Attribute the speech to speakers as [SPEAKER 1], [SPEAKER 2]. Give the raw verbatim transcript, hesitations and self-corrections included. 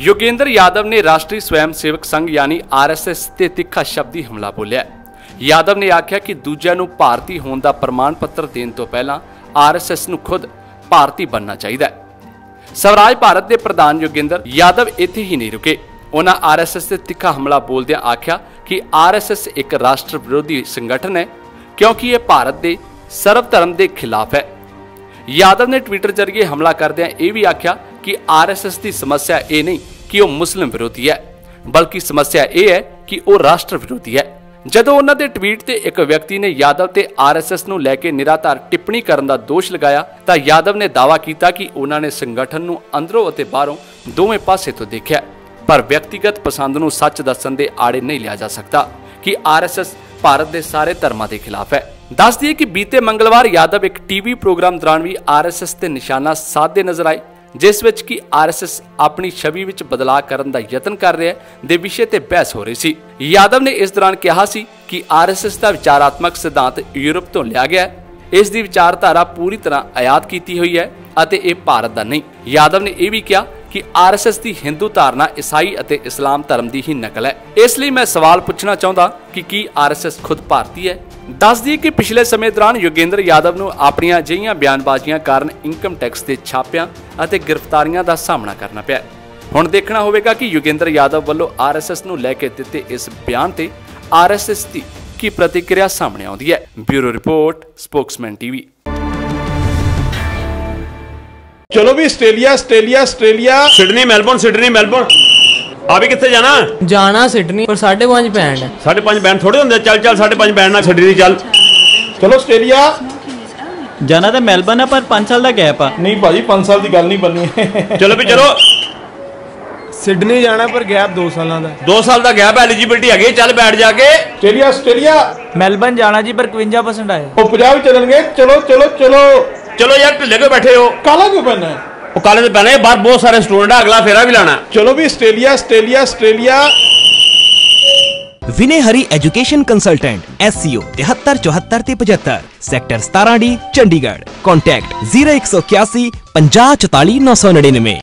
[SPEAKER 1] योगेंद्र यादव ने राष्ट्रीय स्वयंसेवक संघ यानी आर एस एस ते तिखा शब्दी हमला बोलिया। यादव ने आख्या कि दूजिਆਂ ਨੂੰ ਭਾਰਤੀ ਹੋਣ ਦਾ ਪ੍ਰਮਾਣ ਪੱਤਰ ਦੇਣ ਤੋਂ ਪਹਿਲਾਂ आर एस एस ਨੂੰ खुद ਭਾਰਤੀ बनना चाहिए। स्वराज भारत के प्रधान योगेंद्र यादव इत्थे ही नहीं रुके। उन्होंने आर एस एस से तिखा हमला बोलदे आख्या कि आर एस एस एक राष्ट्र विरोधी संगठन है क्योंकि यह भारत के सर्व धर्म के खिलाफ है। यादव ने ट्विटर जरिए हमला करदे यह भी आख्या कि आर एस एस की समस्या ये नहीं कि वह मुस्लिम विरोधी है, बल्कि समस्या यह है कि वह राष्ट्र विरोधी है। जदों उन्हां दे ट्वीट ते एक व्यक्ति ने यादव ते आर एस एस नूं लैके निराधार टिप्पणी करन दा दोष लगाया तां यादव ने दावा किया कि उन्हां ने संगठन नूं अंदरों अते बाहरों दोवें पासे तो देखिया, पर व्यक्तिगत पसंद नूं सच दस्सण दे आड़े नहीं लिया जा सकता कि आर एस एस भारत के सारे धर्मां के खिलाफ है। दस दिए कि बीते मंगलवार यादव एक टीवी प्रोग्राम दौरान भी आर एस एस ते निशाना साधते नजर आए, जिस विच कि आर एस एस अपनी छवि विच बदलाव करन दा यतन कर रहा है दे विषय ते बहस हो रही सी। यादव ने इस दौरान कहा सी कि आर एस एस का विचारात्मक सिद्धांत यूरोप तो लिया गया है, इस दी विचारधारा पूरी तरह आयात की हुई है अते ये भारत का नहीं। यादव ने यह भी कहा कि आर एस एस की हिंदू धारणा ईसाई अते इस्लाम धर्म की ही नकल है। इसलिए मैं सवाल पूछना चाहता कि की आर एस एस खुद भारतीय है। दस दिए कि पिछले समय दौरान योगेंद्र यादव नूं अपनियां अजिहियां बयानबाजियां कारण इनकम टैक्स के छापियां अते गिरफ्तारियां का सामना करना पिया। हुण देखना होवेगा कि योगेंद्र यादव वालों आर एस एस नूं लैके दिते इस बयान ते आर एस एस की की प्रतिक्रिया सामने आउंदी है। Bureau report, spokesman TV.
[SPEAKER 2] चलो भी Australia Australia Australia
[SPEAKER 3] Sydney Melbourne Sydney Melbourne अभी कितने जाना
[SPEAKER 4] जाना सिडनी और साढ़े पांच बैंड है।
[SPEAKER 3] साढ़े पांच बैंड थोड़े होंगे, चल चल साढ़े पांच बैंड ना सिडनी चल।
[SPEAKER 2] चलो ऑस्ट्रेलिया
[SPEAKER 5] जाना तो मेलबर्न है पर पांच साल का गैप है।
[SPEAKER 2] नहीं भाजी पांच साल की गल नहीं बननी।
[SPEAKER 3] चलो भी चलो
[SPEAKER 6] सिडनी जाना पर गैप दो साल का
[SPEAKER 3] दो साल का गैप एलिजिबिलिटी है, चल बैठ जाके।
[SPEAKER 2] ऑस्ट्रेलिया ऑस्ट्रेलिया
[SPEAKER 5] मेलबर्न जाना जी पर इक्वंजा परसेंट आए
[SPEAKER 2] वो पंजाब चलणगे। चलो चलो चलो
[SPEAKER 3] चलो यार ढिले क्यों बैठे हो?
[SPEAKER 2] काला क्यों पहना है?
[SPEAKER 3] वो काले तो पहने बाहर बहुत सारे स्टूडेंट है, अगला फेरा भी लाना।
[SPEAKER 2] चलो भी Australia Australia Australia.
[SPEAKER 7] Vinay Hari education consultant S C O तिहत्तर चौहत्तर ते पचहत्तर सैक्टर सतारा डी चंडीगढ़। कॉन्टैक्ट जीरो एक सौ इक्यासी पंजाह चौताली नौ सौ निन्यानवे।